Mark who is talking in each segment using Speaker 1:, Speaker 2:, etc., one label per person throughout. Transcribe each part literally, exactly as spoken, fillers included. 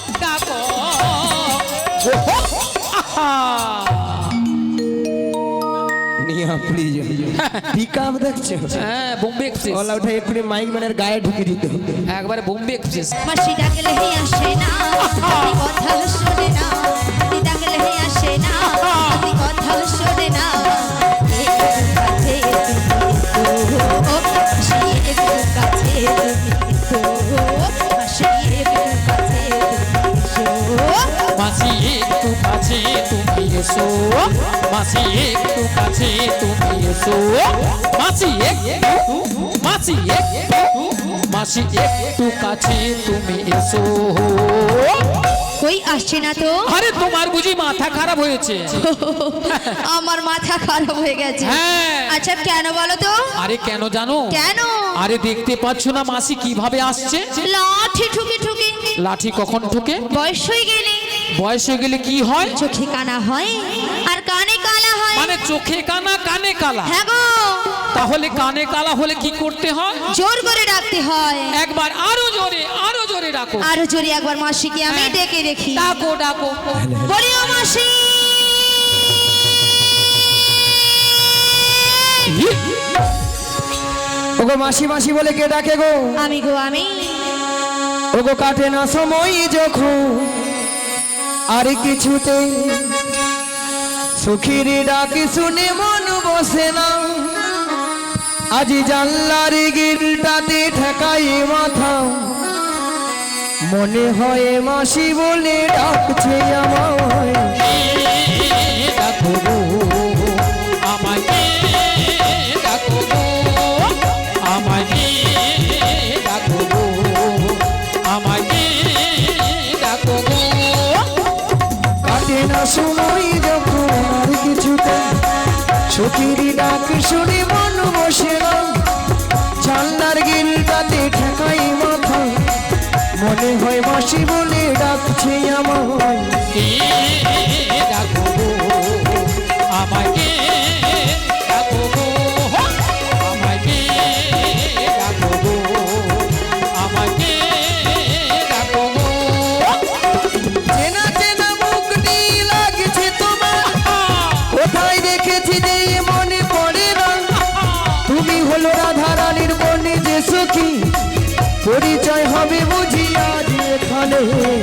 Speaker 1: ডাকো
Speaker 2: নিয়া please pickup দেখছো?
Speaker 1: হ্যাঁ বোম্বে এক্সপ্রেস।
Speaker 2: ওলা উঠে এক্ষুনি মাইক ম্যানের গায়ে ঢুকে দিতে হবে।
Speaker 1: একবারে বোম্বে এক্সপ্রেস।
Speaker 3: মাসি ডাকলে হে আসে না, আপনি কথা শোনে না। আপনি ডাকলে হে আসে না, আপনি কথা শোনে না। একটু কাছে তুমি তো, মাসি একটু কাছে তুমি তো।
Speaker 1: মাসি একটু কাছে তুমি এসো, মাসি একটু মাসি একটু মাসি একটু মাসি একটু কাছে তুমি এসো।
Speaker 3: কই আসছে না তো?
Speaker 1: আরে তোমার বুঝি মাথা খারাপ হয়েছে?
Speaker 3: আমার মাথা খারাপ হয়ে গেছে।
Speaker 1: হ্যাঁ।
Speaker 3: আচ্ছা কেন বলো তো?
Speaker 1: আরে কেন জানো?
Speaker 3: কেন?
Speaker 1: আরে দেখতে পাচ্ছ না মাসি কিভাবে আসছে?
Speaker 3: লাঠি ঠুকে ঠুকে।
Speaker 1: লাঠি কখন ঠুকে?
Speaker 3: বয়স হয়ে গেলে।
Speaker 1: বয়স হয়ে গেলে কি হয়?
Speaker 3: চোখে কানা হয় আর কানে কালা হয়।
Speaker 1: মানে চোখে কানা কানে কালা?
Speaker 3: হ্যাঁ গো।
Speaker 1: তাহলে কানে কালা হলে কি করতে হয়?
Speaker 3: জোর করে ডাকতে হয়।
Speaker 1: একবার আরো জোরে আরো জোরে ডাকো।
Speaker 3: আরো জোরে একবার মাসিকে আমি
Speaker 1: হ্যাঁ।
Speaker 3: ডেকে দেখি।
Speaker 1: ডাকো ডাকো।
Speaker 3: বলি ও মাসি।
Speaker 2: ওগো মাসি মাসি বলে কে ডাকে গো?
Speaker 3: আমি গো আমি।
Speaker 2: ওগো কাটে না সময় যখন আর কিছুতে সুখীর ডাক শুনে মন বসে না। আজি জানলার গিলটাতে ঠেকাই মাথা, মনে হয় মাসি বলে ডাকছে আমায়।
Speaker 1: ডাকো গো আমাকে, ডাকো গো আমাকে, ডাকো গো আমাকে, ডাকো গো।
Speaker 2: কাটে না সময় যখন আর কিছুতে সুখীর ডাক শুনে মন বসে না। জানলার গিলটাতে ঠেকাই মাথা, মনে হয় মাসি বলে ডাকছে আমায়।
Speaker 1: ডাকো গো আমাকে, ডাকো গো আমাকে, ডাকো গো আমাকে, ডাকো গো।
Speaker 2: চেনা চেনা মুখটি লাগছে তোমার, কোথায় দেখেছি যে মনে পড়ে না। তুমি হলো রাধা রানীর বনে যে সখী, পরিচয় হবে বুঝি আজ এখানে।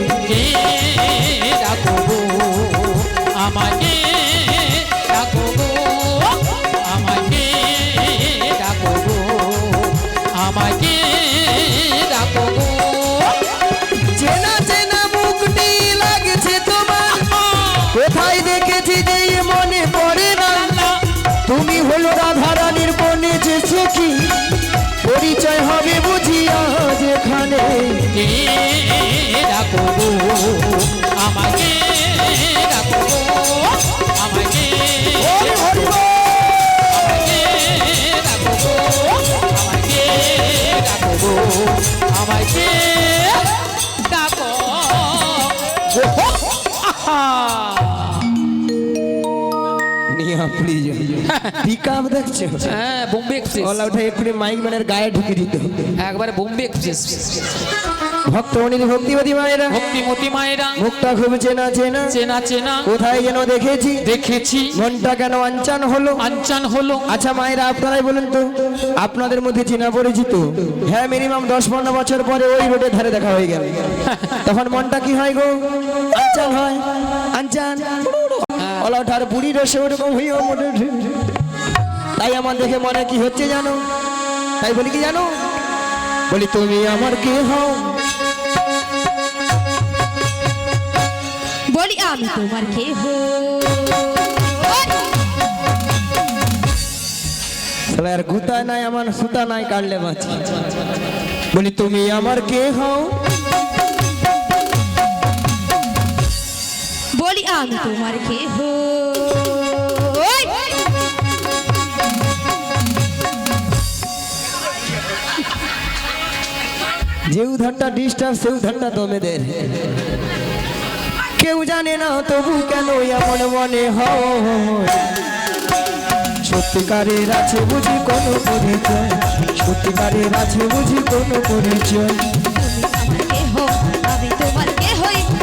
Speaker 1: ডাকো গো আমাকে, ডাকো গো আমাকে, ডাকো গো আমাকে, ডাকো গো।
Speaker 2: চেনা চেনা মুখটি লাগছে তোমার, কোথায় দেখেছি যে মনে পড়ে না। তুমি হলো রাধা রানীর বনে যে সখী, পরিচয় হবে বুঝি আজ এখানে।
Speaker 1: ডাকো গো আমাকে, ডাকো গো আমাকে, আমাকে, ডাকো গো আমাকে, ডাকো গো আমাকে, ডাকো।
Speaker 2: নিয়া প্লিজ পিকআপ দেখছো?
Speaker 1: হ্যাঁ বোম্বে এক্সপ্রেস।
Speaker 2: ওলা উঠে এক্ষুনি মাইক ম্যানের গায়ে ঢুকে দিতে হবে।
Speaker 1: একবারে বোম্বে এক্সপ্রেস।
Speaker 2: ভক্তমণির ভক্তিবাদী মায়েরা,
Speaker 1: ভক্তিমতী মায়েরা,
Speaker 2: মুখটা খুব চেনা চেনা
Speaker 1: চেনা চেনা
Speaker 2: কোথায় যেন দেখেছি,
Speaker 1: দেখেছি,
Speaker 2: মনটা কেন আনচান হলো।
Speaker 1: আনচান হলো।
Speaker 2: আচ্ছা মায়েরা আপনারাই বলুন তো, আপনাদের মধ্যে চেনা পরিচিত? হ্যাঁ মিনিমাম দশ পনেরো বছর পরে ওই রোডের ধারে দেখা হয়ে গেল, তখন মনটা কি হয় গো? আনচান হয়, আনচান। ওলা ওঠার বুড়ি রসে ওরকম হইও মনে। তাই আমার দেখে মনে কি হচ্ছে জানো? তাই বলি কি জানো? বলি তুমি আমার কে হও?
Speaker 3: বলি আমি তোমার কে হো?
Speaker 2: তাহলে আর গুতা নাই আমার সুতা নাই কাটলে বাঁচি। বলি তুমি আমার কে হও?
Speaker 3: বলি আমি তোমার কে হো?
Speaker 2: যে উধারটা ডিস্টার্ব সে উধারটা দমেদের, কেউ জানে না তবু কেন এমন মনে হয়। সত্যিকারের আছে বুঝি কোনো পরিচয়, সত্যিকারের আছে বুঝি কোনো পরিচয়।
Speaker 3: আমি তোমার কে হই?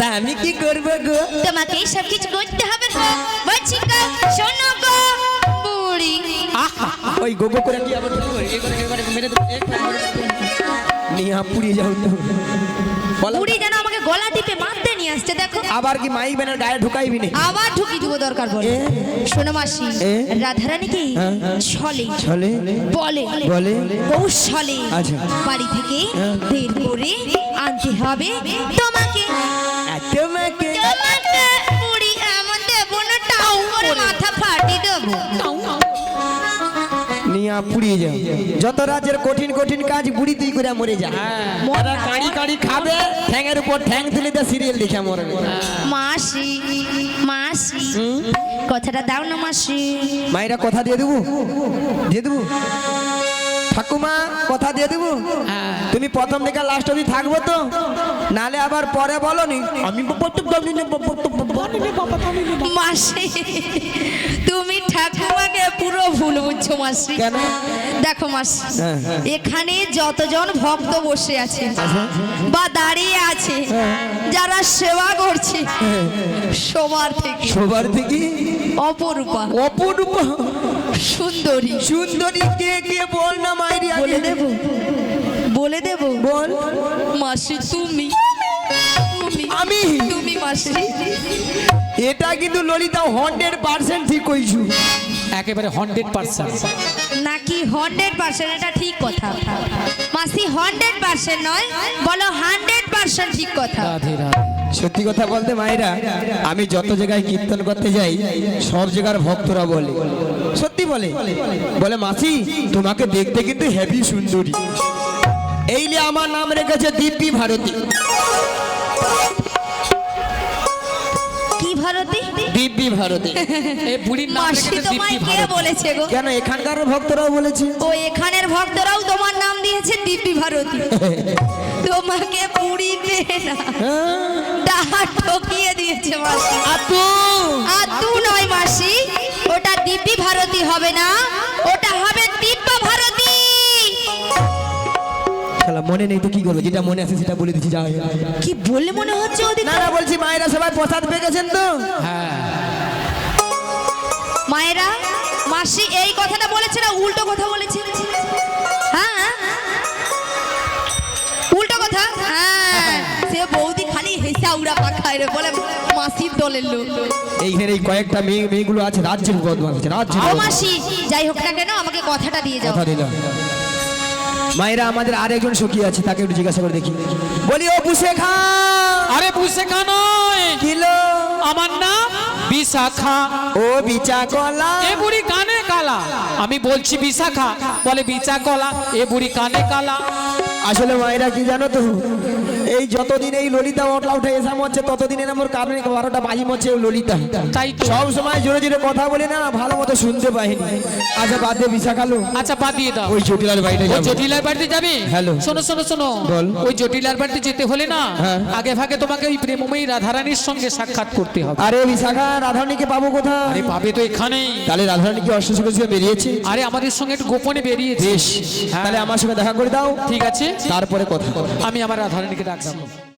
Speaker 2: তা আমি কি করবো গো?
Speaker 3: তোমাকে সব কিছু করতে হবে গো। বলছি গো, শোনো গো বুড়ি।
Speaker 2: ওই গোগো করে কি আবার ঢুকবো? এই করে, এই করে মেরে দেবো, এক করে মেরে দেবো। নিয়ে হাঁ পুড়িয়ে যাও তো। বলো।
Speaker 3: বুড়ি যেন আমাকে গলা টিপে মারতে নিয়ে আসছে, দেখো।
Speaker 2: আবার কি মাইক ব্যানার গায়ে ঢুকাইবি নি?
Speaker 3: আবার ঢুকি দিব দরকার পড়ে।
Speaker 2: এ?
Speaker 3: শোনো মাসি,
Speaker 2: এ?
Speaker 3: রাধারানী কি
Speaker 2: হ্যাঁ।
Speaker 3: ছলে
Speaker 2: চলে
Speaker 3: বলে
Speaker 2: বলে
Speaker 3: কৌশলে
Speaker 2: আচ্ছা।
Speaker 3: বাড়ি থেকে
Speaker 2: হ্যাঁ।
Speaker 3: বের করে আনতে হবে তোমাকে।
Speaker 2: তোমাকে
Speaker 3: তোমাকে বুড়ি এমন দেবো না, টাউ করে মাথা ফাটিয়ে দেবো।
Speaker 2: নিয়ে পুড়িয়ে যাও। যত রাজ্যের কঠিন কঠিন কাজ বুড়ি তুই করে মরে যা। মরা কাড়ি কাড়ি খাবে, ঠ্যাঙের উপর ঠ্যাং তুলে দিয়ে সিরিয়াল দেখে মরবে।
Speaker 3: মাসি মাসি কথাটা দাও না মাসি।
Speaker 2: মায়েরা কথা দিয়ে দেবো, দিয়ে দেবো। ঠাকুমা কথা দিয়ে দেবো। তুমি প্রথম থেকে লাস্ট অবধি থাকবো তো, নালে আবার পরে বলো নি আমি
Speaker 3: মাসি তুমি ঠাকুমাকে পুরো ভুল বুঝছো মাসি।
Speaker 2: কেন?
Speaker 3: দেখো মাসি,
Speaker 2: হ্যাঁ, হ্যাঁ।
Speaker 3: এখানে যতজন ভক্ত বসে আছে বা দাঁড়িয়ে আছে, যারা সেবা করছে, সবার থেকে
Speaker 2: সবার থেকে
Speaker 3: অপরূপা
Speaker 2: অপরূপ
Speaker 3: সুন্দরী
Speaker 2: সুন্দরী কে কে বল না মাইরি
Speaker 3: বলে
Speaker 2: আগে
Speaker 3: দেব বলে দেব
Speaker 2: বল।
Speaker 3: মাসি তুমি তুমি
Speaker 2: আমি?
Speaker 3: তুমি মাসি।
Speaker 2: এটা কিন্তু ললিতা হান্ড্রেড পার্সেন্ট ঠিক কইছু।
Speaker 1: একেবারে হান্ড্রেড পার্সেন্ট।
Speaker 3: নাকি হান্ড্রেড পার্সেন্ট? এটা ঠিক কথা মাসি, হান্ড্রেড পার্সেন্ট নয়, বলো হান্ড্রেড পার্সেন্ট ঠিক কথা।
Speaker 1: রাধে রাধে।
Speaker 2: সত্যি কথা বলতে মায়েরা, আমি যত জায়গায় কীর্তন করতে যাই সব জায়গার ভক্তরা বলে, সত্যি বলে বলে মাসি তোমাকে দেখতে কিন্তু হেভি সুন্দরী। এই নিয়ে আমার নাম রেখেছে দিব্যি ভারতী।
Speaker 3: কি ভারতী?
Speaker 2: দিব্যি ভারতী।
Speaker 1: এই বুড়ির নাম
Speaker 3: মাসি
Speaker 1: রেখেছে
Speaker 3: তোমায়
Speaker 1: দীপ্তি
Speaker 3: কে
Speaker 1: ভারতী।
Speaker 3: বলেছে গো?
Speaker 2: কেন এখানকার ভক্তরাও বলেছে।
Speaker 3: ও এখানের ভক্তরাও তোমার নাম দিয়েছে দিব্যি ভারতী। তোমাকে পুরি পেয়ে না ডাহা ঠকিয়ে দিয়েছে মাসি।
Speaker 2: আপু
Speaker 3: আতু নয় মাসি, ওটা দিব্যি ভারতী হবে না, ওটা হবে দিব্য ভারতী।
Speaker 2: শালা মনে নেই তো কি করবো, যেটা মনে আছে সেটা বলে দিচ্ছি। যা
Speaker 3: কি বললে মনে হচ্ছে ওদিকে?
Speaker 2: না না বলছি মায়েরা সবাই প্রসাদ পেয়ে গেছেন তো।
Speaker 1: হ্যাঁ
Speaker 3: মায়েরা, মাসি এই কথাটা বলেছে না উল্টো কথা বলেছে? হ্যাঁ উল্টো কথা। হ্যাঁ সে বৌদি খালি হেসে উড়া পাখায় রে, বলে মাসির দলের লোক।
Speaker 2: এইখানে এই কয়েকটা মেয়ে মেয়েগুলো আছে রাজ্যের বদমাশ আছে, রাজ্যের
Speaker 3: ও
Speaker 2: বদমাশ।
Speaker 3: মাসি যাই হোক না কেন, আমাকে কথাটা দিয়ে যাও।
Speaker 2: কথা দিলাম। মায়েরা আমাদের আরেকজন সখী আছে, তাকে একটু জিজ্ঞাসা করে দেখি। বলি ও বুসে খা।
Speaker 1: আরে বুঝছে কেন?
Speaker 2: কিলো
Speaker 1: আমার নাম বিশাখা।
Speaker 2: ও বিচা কলা।
Speaker 1: এ বুড়ি কানে কালা। আমি বলছি বিশাখা, বলে বিচা কলা। এ বুড়ি কানে কালা।
Speaker 2: আসলে মায়েরা কি জানো তো, এই যতদিন এই ললিতা ওটলা উঠে এসা মরছে ততদিনের আমার কারণে বারোটা বাজি মরছে ওই ললিতা।
Speaker 1: তাই তো।
Speaker 2: সব সময় জোরে জোরে কথা বলি না, ভালো মতো শুনতে পাইনি। আচ্ছা বাদ দিয়ে বিশা খালো।
Speaker 1: আচ্ছা বাদ দিয়ে দাও।
Speaker 2: ওই জটিলার বাড়িতে
Speaker 1: ওই
Speaker 2: যাবো।
Speaker 1: জটিলার বাড়িতে যাবে?
Speaker 2: হ্যালো।
Speaker 1: শোনো শোনো শোনো,
Speaker 2: বল।
Speaker 1: ওই জটিলার বাড়িতে যেতে হলে না
Speaker 2: হ্যাঁ।
Speaker 1: আগে ভাগে তোমাকে ওই প্রেমময়ী রাধারানীর সঙ্গে সাক্ষাৎ করতে হবে।
Speaker 2: আরে বিশাখা রাধারানীকে পাবো কোথায়?
Speaker 1: আরে পাবে তো এখানেই।
Speaker 2: তাহলে রাধারানী কি অশ্বসী করে বেরিয়েছে?
Speaker 1: আরে আমাদের সঙ্গে একটু গোপনে বেরিয়েছে।
Speaker 2: বেশ,
Speaker 1: হ্যাঁ।
Speaker 2: তাহলে আমার সঙ্গে দেখা করে দাও,
Speaker 1: ঠিক আছে,
Speaker 2: তারপরে কথা।
Speaker 1: আমি আমার রাধারানীকে ডাকছি।